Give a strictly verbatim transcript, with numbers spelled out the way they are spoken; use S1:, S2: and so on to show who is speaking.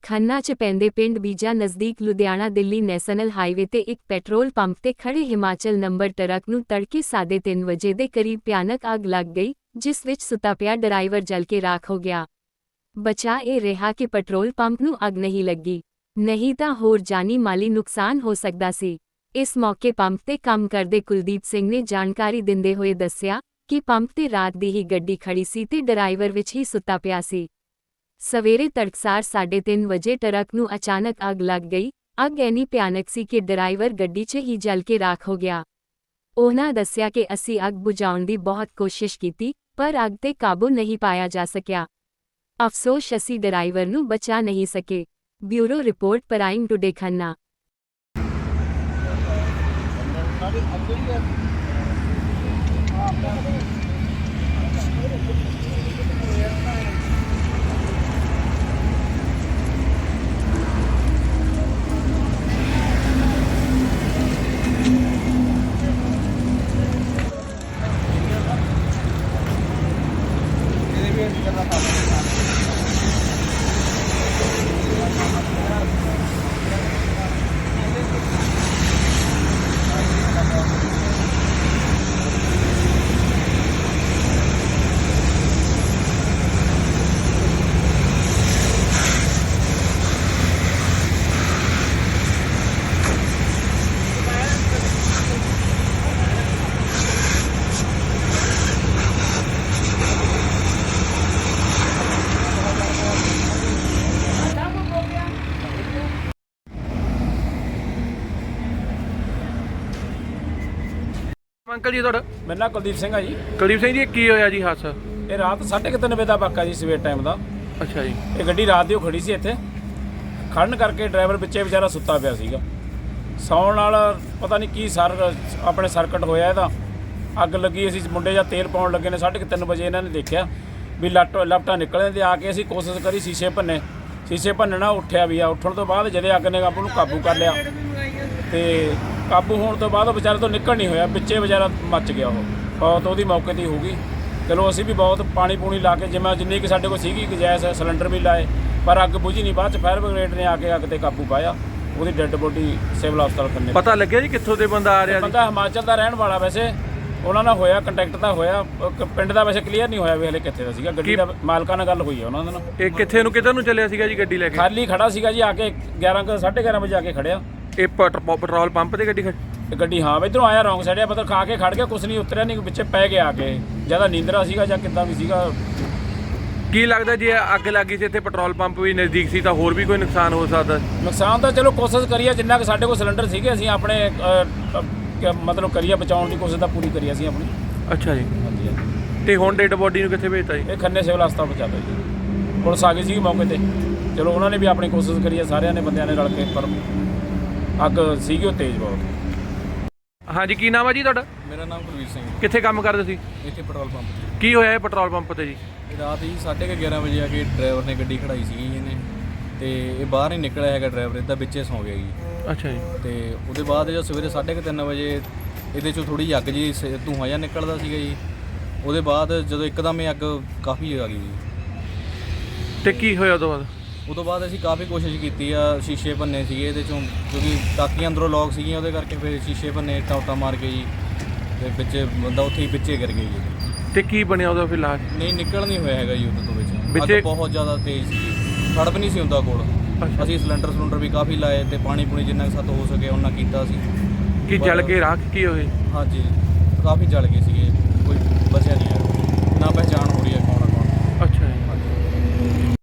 S1: खन्ना च पैंदे पिंड बीजा नज़दीक लुधियाना दिल्ली नैशनल हाईवे ते एक पैट्रोल पंप ते खड़े हिमाचल नंबर ट्रक नूं तड़के साढ़े तीन वजे दे करीब भयानक अग लग गई, जिस विच सुता पिया ड्राइवर जल के राख हो गया। बचा ये रहा कि पैट्रोल पंप नूं अग नहीं लगी, नहीं तां होर जानी माली नुकसान हो सकदा सी। इस मौके पंप ते काम करदे कुलदीप सिंह ने जानकारी दिंदे होए दस्सिया कि पंप ते रात दी ही गड्डी खड़ी सी ते ड्राइवर विच ही सुता पिया सी। सवेरे तड़कसार साढ़े तीन वजे ट्रक नूं अचानक अग लग गई। अग ऐनी भयानक सी कि ड्राइवर गड्डी च ही जल के राख हो गया। उन्हां दस्सिया कि असी अग बुझाउण दी बहुत कोशिश कीती, पर अग ते काबू नहीं पाया जा सकिया। अफसोस असी ड्राइवर नूं बचा नहीं सके। Bureau report prime today Khanna.
S2: Uncle जी ਤੁਹਾਡਾ
S3: मेरा नाम कुलदीप सिंह है जी।
S2: ਕੁਲਦੀਪ ਸਿੰਘ ਜੀ ਕੀ ਹੋਇਆ ਜੀ ਹਾਦਸਾ?
S3: ये रात साढ़े तीन बजे का वाक़ा जी, सवेर टाइम का।
S2: ਅੱਛਾ ਜੀ।
S3: ये गड्डी रात दी खड़ी सी इत्थे, खड़न करके ड्राइवर पिछे बेचारा सुता पिया सीगा। सौण नाल पता नहीं की सर अपने सर्किट होया इहदा, अग लगी। असीं मुंडे ਜਾਂ तेल पाउण लगे ने साढ़े तीन बजे इन्हां ने देखिया भी लट लपटा निकले ते आके असीं कोशिश करी शीशे भन्ने, शीशे भन्नना उठिया भी आ। उठण तो बाद जदे अग ने आपू काबू कर लिया ते काबू होने तो बाद बेचारे तो निकल नहीं होया, पिछे बेचारा मच गया। वो बहुत ਉਹਦੀ मौके ਤੇ हो गई। चलो असी भी बहुत पानी पूनी ला के जिमें जिन्नी कि साढ़े कोल सीगी गैस सिलेंडर भी लाए, पर अग बुझी नहीं। बाद फायर ब्रिगेड ने आके अग ते काबू पाया। ਉਹਦੀ ਡੈੱਡ ਬੋਡੀ ਸਿਵਲ ਹਸਪਤਾਲ ਖੰਨੇ।
S2: ਪਤਾ ਲੱਗਿਆ ਜੀ ਕਿੱਥੋਂ ਦੇ ਬੰਦਾ ਆ ਰਿਹਾ?
S3: ਬੰਦਾ ਹਿਮਾਚਲ ਦਾ ਰਹਿਣ ਵਾਲਾ, ਵੈਸੇ ਉਹਨਾਂ ਨਾਲ ਹੋਇਆ ਕੰਟੈਕਟ ਤਾਂ ਹੋਇਆ, ਪਿੰਡ ਦਾ ਵੈਸੇ ਕਲੀਅਰ ਨਹੀਂ ਹੋਇਆ ਵੀ ਹਲੇ ਕਿੱਥੇ ਦਾ ਸੀਗਾ। ਗੱਡੀ ਦਾ ਮਾਲਕਾਂ ਨਾਲ ਗੱਲ ਹੋਈ ਹੈ ਉਹਨਾਂ ਦੇ ਨਾਲ।
S2: ਇਹ ਕਿੱਥੇ ਨੂੰ ਕਿੱਧਰ ਨੂੰ ਚੱਲਿਆ ਸੀਗਾ ਜੀ ਗੱਡੀ ਲੈ ਕੇ?
S3: ਖਾਲੀ ਖੜਾ ਸੀਗਾ ਜੀ, ਆ ਕੇ ਗਿਆਰਾਂ ਕੁ ਸਾਢੇ ਗਿਆਰਾਂ ਵਜੇ ਆ ਕੇ ਖੜਿਆ।
S2: ਇਹ ਪੈਟਰੋਲ ਪੰਪ ਤੇ ਗੱਡੀ ਖੜੀ?
S3: ਗੱਡੀ ਹਾਂ ਇੱਧਰੋਂ ਆਇਆ ਰੌਂਗ ਸਾਈਡ, ਮਤਲਬ ਖਾ ਕੇ ਖੜ ਗਿਆ, ਕੁਛ ਨਹੀਂ ਉਤਰਿਆ ਨਹੀਂ, ਪਿੱਛੇ ਪੈ ਗਿਆ ਆ ਕੇ। ਜਿਆਦਾ ਨੀਂਦਰਾ ਸੀਗਾ ਜਾਂ ਕਿੱਦਾਂ ਵੀ ਸੀਗਾ।
S2: ਕੀ ਲੱਗਦਾ ਜੇ ਅੱਗ ਲੱਗੀ ਸੀ ਇੱਥੇ ਪੈਟਰੋਲ ਪੰਪ ਵੀ ਨਜ਼ਦੀਕ ਸੀ ਤਾਂ ਹੋਰ ਵੀ ਕੋਈ ਨੁਕਸਾਨ ਹੋ ਸਕਦਾ?
S3: ਨੁਕਸਾਨ ਤਾਂ ਚਲੋ ਕੋਸ਼ਿਸ਼ ਕਰੀਏ, ਜਿੰਨਾ ਕਿ ਸਾਡੇ ਕੋਲ ਸਿਲੰਡਰ ਸੀਗੇ ਅਸੀਂ ਆਪਣੇ ਮਤਲਬ ਕਰੀਏ ਬਚਾਉਣ ਦੀ ਕੋਸ਼ਿਸ਼ ਤਾਂ ਪੂਰੀ ਕਰੀ ਅਸੀਂ ਆਪਣੀ।
S2: ਅੱਛਾ ਜੀ।
S3: ਹਾਂਜੀ ਹਾਂਜੀ।
S2: ਤੇ ਹੁਣ ਡੈਡ ਬੋਡੀ ਨੂੰ ਕਿੱਥੇ ਭੇਜਤਾ ਜੀ?
S3: ਇਹ ਖੰਨੇ ਸਿਵਲ ਹਸਪਤਾਲ ਪਹੁੰਚਾ ਦਿਓ ਜੀ। ਪੁਲਿਸ ਆ ਗਈ ਸੀ ਮੌਕੇ ਤੇ, ਚਲੋ ਉਹਨਾਂ ਨੇ ਵੀ ਆਪਣੀ ਕੋਸ਼ਿਸ਼ ਕਰੀ ਹੈ, ਸਾਰਿਆਂ ਨੇ ਬੰਦਿਆਂ ਨੇ ਰਲ ਕੇ, ਪਰ ਅੱਗ ਸੀਗੀ ਉਹ ਤੇਜ਼ ਬਹੁਤ।
S2: ਹਾਂਜੀ, ਕੀ ਨਾਮ ਹੈ ਜੀ ਤੁਹਾਡਾ?
S4: मेरा नाम कुलवीर सिंह।
S2: ਕਿੱਥੇ ਕੰਮ ਕਰਦੇ ਸੀ?
S4: इतने पेट्रोल पंप से
S2: ਕੀ ਹੋਇਆ ਇਹ ਪੈਟਰੋਲ ਪੰਪ ਤੇ ਜੀ?
S4: रात ही साढ़े के ग्यारह बजे आके ड्राइवर ने गड्डी खड़ाई सी इन्हें तो ये बाहर नहीं निकलिया है ड्राइवर, इदा बिच्चे सौ गया जी।
S2: ਅੱਛਾ ਜੀ।
S4: तो उसके बाद जो सवेरे साढ़े के तीन बजे ये थोड़ी जी अग जी धुआं जिहा निकलता सीगा जी। उसके बाद जो एकदम अग काफ़ी आ गई जी।
S2: ਤੇ ਕੀ ਹੋਇਆ ਉਦੋਂ ਬਾਅਦ?
S4: उस तो बाद असीं काफ़ी कोशिश की आ, शीशे भन्ने सीगे इहदे चों, क्योंकि टाकियां अंदरों लॉक सीगियां, उहदे करके फिर शीशे भन्ने टाउटा मार के जी, ते बिच्चे बंदा उत्थे ही बिच्चे गिर गया जी।
S2: ਤੇ ਕੀ ਬਣਿਆ ਉਹਦਾ ਫਿਰ ਲਾਸ਼?
S4: नहीं निकल नहीं होया हैगा जी उहदे तो बिच।
S2: बिच्चे-
S4: अग बहुत ज़्यादा तेज़ सी, खड़ भी नहीं सी उहदा कोल। ਅਸੀਂ ਸਿਲੰਡਰ ਸਿਲੰਡਰ ਵੀ ਕਾਫੀ ਲਾਏ ਤੇ ਪਾਣੀ ਪੂਣੀ ਜਿੰਨਾ ਕੁ ਸਾਤੋਂ ਹੋ ਸਕੇ ਉਹਨਾਂ ਕੀਤਾ ਸੀ।
S2: ਕੀ ਜਲ ਕੇ ਰਾਖ ਕੀ ਹੋਏ?
S4: ਹਾਂਜੀ ਕਾਫੀ ਜਲ ਗਏ ਸੀਗੇ, ਕੋਈ ਬਚਿਆ ਨਹੀਂ ਹੈ।